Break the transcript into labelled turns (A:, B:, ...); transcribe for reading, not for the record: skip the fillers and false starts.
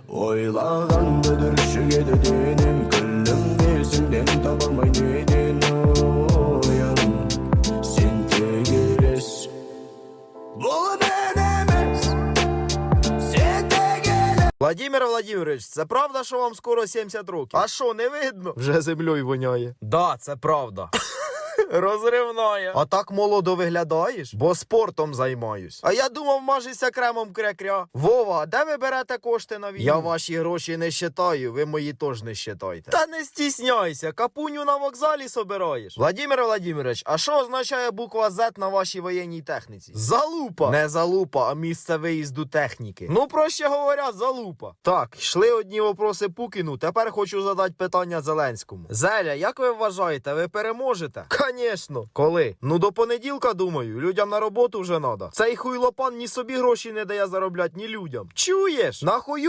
A: Ойлағанды дүршігеді денім, күлім несіңден табалмай неден ойын. Сен тек елес, бұл мен емес, сен тек елес.
B: Владимир Владимирович, це правда, що вам скоро 70 років? А що, не видно? Вже землею воняє. Да, це правда. Розривная. А так молодо виглядаєш? Бо спортом займаюсь. А я думав, мажешся кремом кря-кря. Вова, де ви берете кошти на війну? Я ваші гроші не щитаю, ви мої теж не щитайте. Та не стісняйся, капуню на вокзалі собираєш. Владимир Владимирович, а що означає буква Z на вашій воєнній техніці? Залупа. Не залупа, а місце виїзду техніки. Ну, проще говоря, залупа. Так, йшли одні вопроси Пукіну, тепер хочу задати питання Зеленському. Зеля, як ви вважаєте, ви переможете? Конечно. Коли? Ну до понеділка, думаю. Людям на роботу вже надо. Цей хуйлопан ні собі гроші не дає заробляти, ні людям. Чуєш? Нахуй